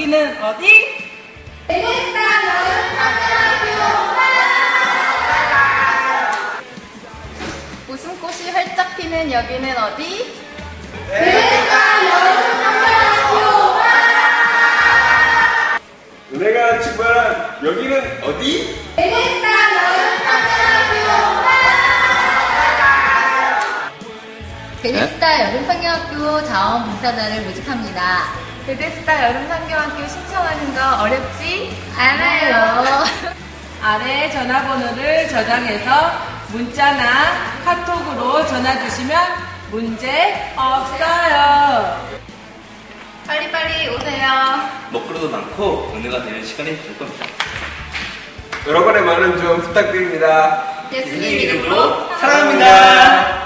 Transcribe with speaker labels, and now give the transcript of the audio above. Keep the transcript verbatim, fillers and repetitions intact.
Speaker 1: 여기는 어디?
Speaker 2: 베네스타 여름사관학교.
Speaker 3: 웃음꽃이 활짝 피는 여기는 어디?
Speaker 2: 베네스타 여름사관학교.
Speaker 4: 은혜가 출발한 여기는 어디?
Speaker 2: 베네스타 여름사관학교.
Speaker 3: 베네스타 여름상경학교 자원봉사자를 모집합니다.
Speaker 5: 베데스다 여름상경학교 신청하는 거 어렵지
Speaker 3: 않아요.
Speaker 1: 아래 전화번호를 저장해서 문자나 카톡으로 전화 주시면 문제 없어요.
Speaker 5: 빨리빨리 오세요.
Speaker 6: 먹거리도 많고 은혜가 되는 시간이 될 겁니다.
Speaker 4: 여러분의 많은 좀 부탁드립니다.
Speaker 5: 예수님
Speaker 6: 예수님
Speaker 5: 이름으로
Speaker 6: 이름으로
Speaker 5: 사랑합니다.
Speaker 6: 사랑합니다.